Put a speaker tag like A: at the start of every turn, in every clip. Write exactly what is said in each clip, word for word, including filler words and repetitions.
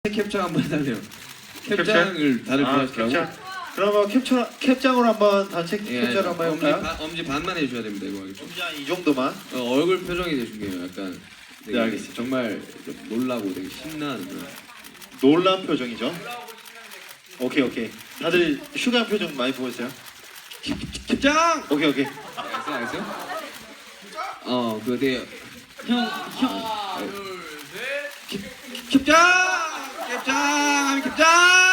A: 캡장 한번 해달래요. 캡장을 다들
B: 아,
A: 좋아하시더라고.
B: 캡장. 그러면 캡처 캡장으로 한번 단체
A: 예,
B: 캡처를 한번
A: 엄지,
B: 해볼까요?
A: 반, 엄지 반만 해주셔야 됩니다. 이거 알겠죠?
B: 엄지 한 이 정도만.
A: 어, 얼굴 표정이 되게 중요해요. 약간 되게
B: 네, 알겠습니다.
A: 정말 놀라고 되게 신나는 그런.
B: 놀란 표정이죠. 오케이 오케이. 다들 슈가한 표정 많이 보였어요?
A: 캡장!
B: 오케이 오케이.
A: 알겠어요? 알겠어요? 어, 그 되게
C: 형, 형.
A: 캡장! 캡장! 캡장!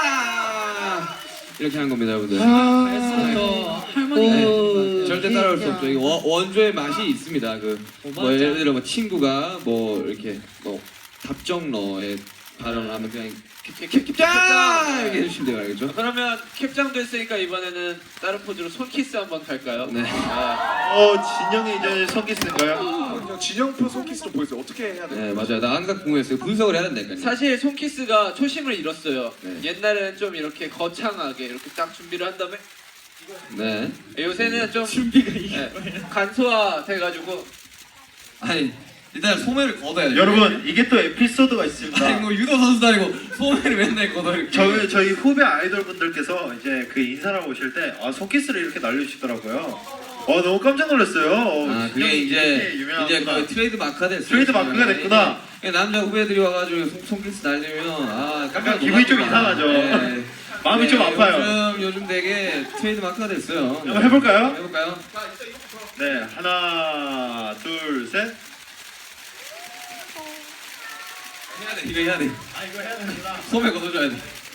A: 이렇게 하는 겁니다, 여러분들.
B: 아,
C: 벌써부터 할머니가
A: 네, 절대 따라올 수 없죠. 이거 원- 원조의 맛이 있습니다. 그
C: 어,
A: 뭐
C: 맞아.
A: 예를 들어 뭐 친구가 뭐 이렇게 뭐 답정너의 발언을 하면 그냥 캡캡캡캡장 이렇게 해주시면 돼요, 알겠죠?
D: 그러면 캡장도 했으니까 이번에는 다른 포즈로 손키스 한번 갈까요?
A: 네.
D: 아,
B: 어 진영이 이제 손키스인가요?
E: 그냥 진영표 손키스로 보여주세요. 어떻게 해야 돼요?
A: 네, 맞아요. 나 항상 궁금했어요. 분석을 해야 된다니까요.
D: 사실 손키스가 초심을 잃었어요.
A: 네.
D: 옛날에는 좀 이렇게 거창하게 이렇게 딱 준비를 한 다음에
A: 네.
D: 요새는 좀
C: 준비가 이게
D: 네, 간소화 돼가지고
A: 아니 일단 소매를 걷어야 돼요.
B: 여러분 이게 또 에피소드가
A: 아니
B: 있습니다.
A: 뭐 유도 선수도 아니고 소매를 맨날 걷어 이렇게.
B: 저희 저희 후배 아이돌 분들께서 이제 그 인사를 하고 오실 때 아 손키스를 이렇게 날려주시더라고요. 어 너무 깜짝 놀랐어요. 어,
A: 아 그게
B: 진영이
A: 이제
B: 이렇게
A: 이제
B: 유명하구나.
A: 거의 트레이드 마크가 됐어요.
B: 트레이드 마크가 됐구나.
A: 이게 남자 후배들이 와가지고 손, 손키스 날리면 아 깜짝
B: 약간 기분이 좀
A: 놀랍구나.
B: 이상하죠.
A: 네.
B: 마음이
A: 네,
B: 좀 아파요.
A: 요즘 요즘 되게 트레이드 마크가 됐어요.
B: 한번 해볼까요?
A: 해볼까요?
B: 네 하나 둘 셋.
A: 해야 돼 이거 해야 돼.
B: 아 이거 해야 되는구나.
A: 소매 걷어줘야 돼.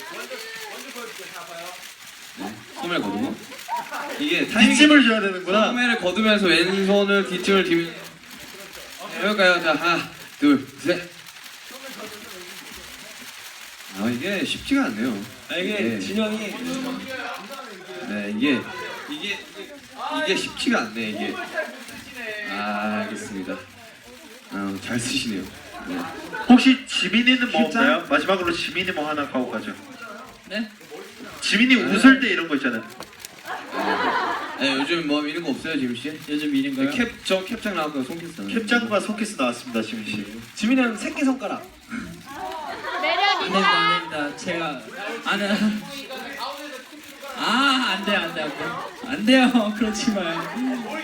A: 네, 소매를 걷고 이게 타이밍
B: 뒷짐을 줘야 되는구나.
A: 소매를 걷으면서 왼손을 뒷짐을 뒤면 해볼까요? 자 하나 둘 셋. 아 이게 쉽지가 않네요.
C: 아, 이게
A: 네.
C: 진영이
A: 네 이게 이게 이게 쉽지가 않네 이게. 아 알겠습니다. 아, 잘 쓰시네요. 네.
B: 혹시 지민이는 뭐
A: 캡장?
B: 없나요? 마지막으로 지민이 뭐 하나 가고 가죠.
C: 네?
B: 지민이 웃을 때 이런 거 있잖아요.
A: 네 요즘 뭐 이런 거 없어요 지민 씨?
C: 요즘 일인가요?
A: 캡저 캡장 나왔고요 손키스.
B: 캡장과 손키스 나왔습니다, 지민 씨.
C: 지민이 형 새끼 손가락. 안 됩니다, 안 됩니다. 제가 아는 아, 안 돼, 안 돼, 안 돼. 안 돼요. 그렇지 마요.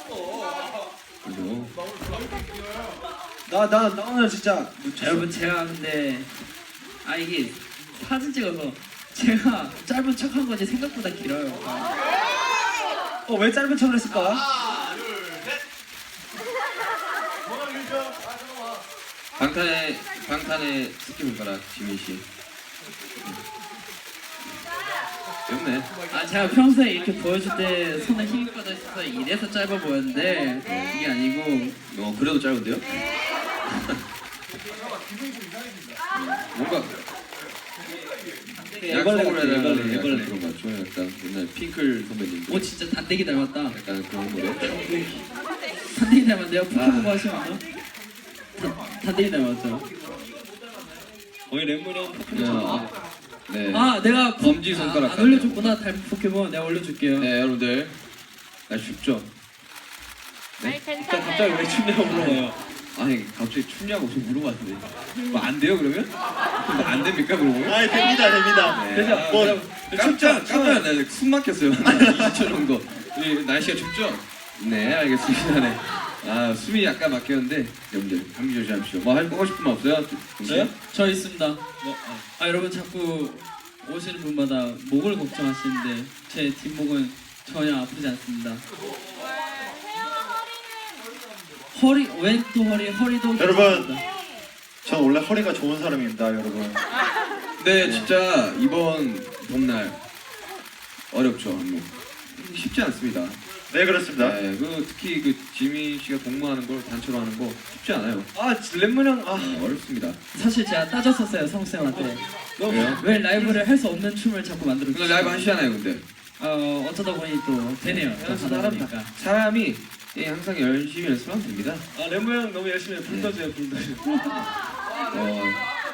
A: 그죠?
C: 나나 나 오늘 진짜 여러분 제가 근데 아 이게 사진 찍어서 제가 짧은 척한 거지 생각보다 길어요. 어 왜 짧은 척을 했을까?
A: 방탄의 방탄의 스키 손가락 지민 씨. 귀엽네.
C: 아 제가 평소에 이렇게 보여줄 때 손에 힘이 빠져 있어서 이래서 짧아 보였는데 이게 아니고
A: 어 그래도 짧은데요? 뭔가 약속을 해달라는 약간 그런 거 같죠? 약간 옛날 핑클 선배님들
C: 오 진짜 단대기 닮았다.
A: 약간 그런 거요.
C: 단대기 닮았는데요? 포켓몬 하시면 알아? 단- 단대기 닮았죠? 거의 랩몬이 형 포켓몬
A: 네.
C: 아 내가 포...
A: 엄지 손가락
C: 아, 안 올려줬구나 닮은 포켓몬 내가 올려줄게요.
A: 네 여러분들 나 쉽죠?
F: 아니 괜찮아요.
C: 갑자기 왜 춤냐고 물어봐요.
A: 아니 갑자기 춥냐고 좀 물어봤는데 뭐 안 돼요 그러면? 뭐 안 됩니까 그러면?
B: 아, 됩니다, 됩니다.
A: 네.
C: 그래서
A: 아,
C: 뭐
A: 그냥 깜짝 깜짝 놀랐어요. 숨 막혔어요. 이십 초 정도. 이 날씨가 춥죠? 네 알겠습니다. 네. 아 숨이 약간 막혔는데 여러분들 감기 조심하십시오. 뭐 하고 싶은 말 없어요?
C: 저요? 저 있습니다. 뭐, 아 여러분 자꾸 오시는 분마다 목을 걱정하시는데 제 뒷목은 전혀 아프지 않습니다. 허리 왼쪽 허리 허리도
B: 여러분.
C: 괜찮습니다.
B: 전 원래 허리가 좋은 사람입니다, 여러분.
A: 네 진짜 이번 봄날 어렵죠 안무. 쉽지 않습니다.
B: 네, 그렇습니다.
A: 네, 그 특히 그 지민 씨가 동무하는 걸 단체로 하는 거 쉽지 않아요.
C: 아 랩몬 형 아.
A: 네, 어렵습니다.
C: 사실 제가 따졌었어요 성우 쌤한테.
A: 왜요?
C: 왜 라이브를 할 수 없는 춤을 자꾸 만들어
A: 근데 라이브 하시잖아요 근데.
C: 어 어쩌다 보니 또 되네요. 또 하다 보니까.
A: 사람이 예, 항상 열심히 연습하면 됩니다.
C: 아 랩몬 형 너무 열심히 해요. 불떠줘요 불떠줘.
A: 어,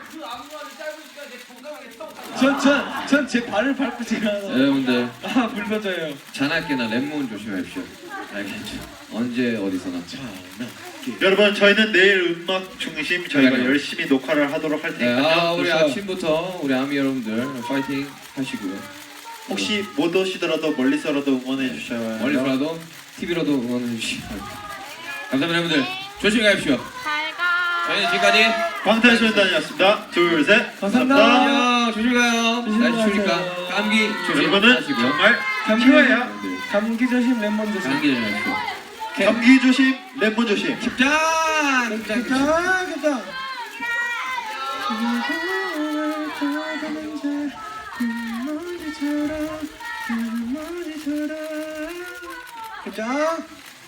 C: 전전전 제 발을 밟고 제가
A: 여러분들
C: 아 불떠줘요.
A: 잔악계나 랩몬 조심하십시오. 알겠죠? 언제 어디서나.
B: 자, 나. 여러분 저희는 내일 음악 중심 저희가
A: 그러니까요.
B: 열심히 녹화를 하도록 할
A: 네,
B: 테니까요.
A: 아, 우리
C: 그렇죠.
A: 아침부터 우리 아미 여러분들 파이팅 하시고요.
B: 혹시 못 오시더라도 멀리서라도 응원해 주셔야
A: 멀리서라도 티비로도 응원해 주시기 바랍니다. 감사합니다, 여러분들. 조심히 가십시오.
F: 잘 가.
A: 저희는 지금까지
B: 방탄소년단이었습니다. 둘, 셋.
C: 감사합니다.
A: 안녕. 조심히 가요.
C: 조심히
A: 날씨 추우니까
C: 가세요.
A: 감기
B: 여러분은
A: 조심하시고요.
B: 정말
C: 감기
B: 키워야
A: 여러분들,
C: 감기 조심, 레몬 조심.
A: 감기 조심하십시오.
B: 감기 조심, 랩몬 조심.
A: 자, 자, 자.
C: 괜찮아. 괜찮아.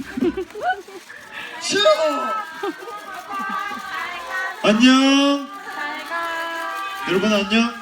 C: 싫어.
B: 안녕.
F: 잘 가.
B: 여러분 안녕.